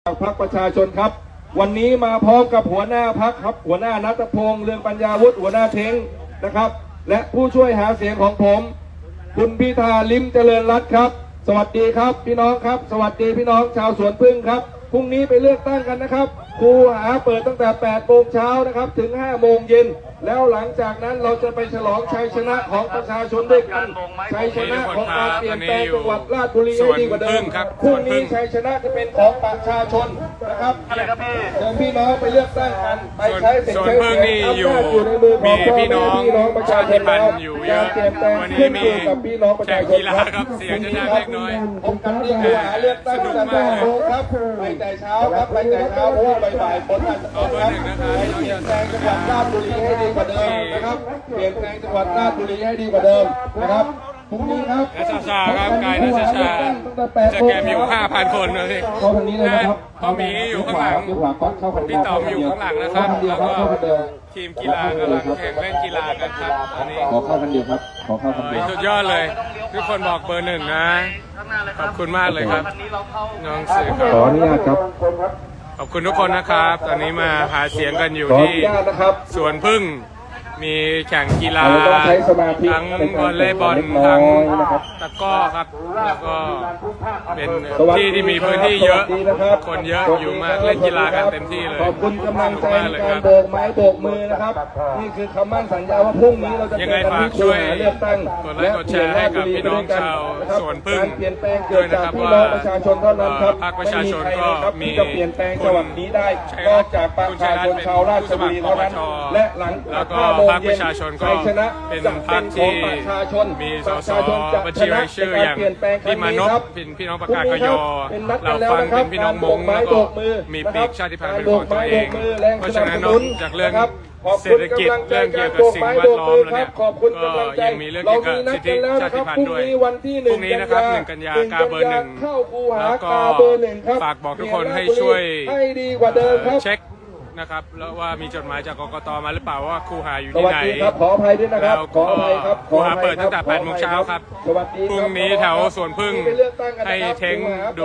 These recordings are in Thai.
พรรคประชาชนครับวันนี้มาพร้อมกับหัวหน้าพรรคครับหัวหน้าณัฐพงษ์เรืองปัญญาวุฒิหัวหน้าเท้งนะครับและผู้ช่วยหาเสียงของผมคุณพิธาลิ้มเจริญรัตน์ครับสวัสดีครับพี่น้องครับสวัสดีพี่น้องชาวสวนพึ่งครับพรุ่งนี้ไปเลือกตั้งกันนะครับคูหาเปิดตั้งแต่8 โมงเช้านะครับถึง5 โมงเย็นแล้วหลังจากนั้นเราจะไปฉลองชัยชนะของประชาชนด้วยกันชัยชนะของการเปลี่ยนแปลงจังหวัดราชบุรีให้ดีกว่าเดิมพรุ่งนี้ชัยชนะจะเป็นของประชาชนนะครับเชิญพี่น้องไปเลือกตั้งกันไปใช้เสียงใช้เสียงอำนาจอยู่ในมือของพี่น้องประชาชนแล้วการเปลี่ยนแปลงขึ้นอยู่กับพี่น้องประชาชนครับเสียงจะได้เล็กน้อยพบกันที่คูหาเลือกตั้งตั้งแต่8 โมงครับไปแต่เช้าครับไปแต่เช้าเพราะว่าบ่ายๆฝนอาจจะตกครับไปเปลี่ยนแปลงจังหวัดราชบุรีให้ดีกว่าเดิมนะครับเปลี่ยนแปลงจังหวัดราชบุรีให้ดีกว่าเดิมนะครับพรุ่งนี้ครับนัชชาครับกายนัชชาจะแกมอยู่ 5,000 คนนะพี่เข้าทางนี้เลยนะครับพ่อหมีอยู่ข้างหลังพี่ต๋อมอยู่ข้างหลังนะครับแล้วก็ทีมกีฬากำลังแข่งเล่นกีฬากันครับอันนี้ขอเข้ากันเดียวครับขอเข้ากันเดียวสุดยอดเลยทุกคนบอกเบอร์ 1นะขอบคุณมากเลยครับน้องสื่อครับขออนุญาตครับขอบคุณทุกคนนะครับตอนนี้มาหาเสียงกันอยู่ที่สวนพึ่งมีแข่งกีฬาทั้งวอลเลย์บอลทั้งตะกร้อครับแล้วก็เป็นที่มีพื้นที่เยอะคนเยอะอยู่มากเล่นกีฬากันเต็มที่เลยขอบคุณกำลังใจในการโบกไม้โบกมือนะครับนี่คือคำมั่นสัญญาว่าพรุ่งนี้เราจะเจอกันที่คูหาเลือกตั้งกดไลค์กดแชร์ให้กับพี่น้องชาวสวนพึ่งการเปลี่ยนแปลงเกิดจากพี่น้องประชาชนเท่านั้นครับพรรคประชาชนก็มีจะเปลี่ยนแปลงจังหวัดนี้ได้นอกจากประชาชนชาวราชบุรีเท่านั้นและหลัง5 โมงเย็นชัยชนะเป็นพรรคที่มีสสบัญชีรายชื่ออย่างพี่มานพพี่น้องประกาศกยเราฟังเป็นพี่น้องมงแล้วก็มีปีกชาติพันธุ์เป็นของตัวเองเพราะฉะนั้นนอกจากเรื่องเศรษฐกิจเรื่องเกี่ยวกับสิ่งแวดล้อมแล้วเนี่ยก็ยังมีเรื่องเกี่ยวกับสิทธิชาติพันธุ์ด้วยพรุ่งนี้นะครับ1 กันยากาเบอร์ 1แล้วก็ฝากบอกทุกคนให้ช่วยเช็คนะครับแล้วว่ามีจดหมายจากกกต.มาหรือเปล่าว่าคูหาอยู่ที่ไหนขออภัยด้วยนะครับขออภัยครับคูหาเปิดตั้งแต่8 โมงเช้าครับพรุ่งนี้แถวสวนพึ่งให้เท้งดู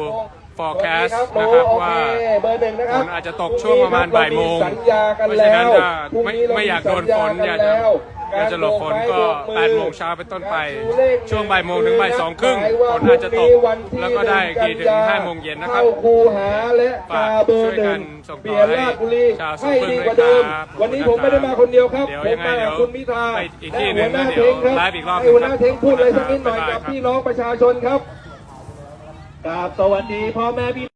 forecast นะครับว่าฝนอาจจะตกช่วงประมาณบ่ายโมงเพราะฉะนั้นจะไม่อยากโดนฝนอยากจะหลบฝนก็8 โมงเช้าเป็นต้นไปช่วงบ่ายโมงถึงบ่าย 2 ครึ่งฝนอาจจะตกแล้วก็ได้กี่ถึง5 โมงเย็นนะครับฝากช่วยกันส่งต่อให้ชาวสวนพึ่งด้วยครับวันนี้ผมไม่ได้มาคนเดียวครับผมมากับคุณพิธาไปอีกที่หนึ่งนะเดี๋ยวไลฟ์อีกรอบหัวหน้าเท้งพูดอะไรสักนิดหน่อยกับพี่น้องประชาชนครับกราบสวัสดีพ่อแม่พี่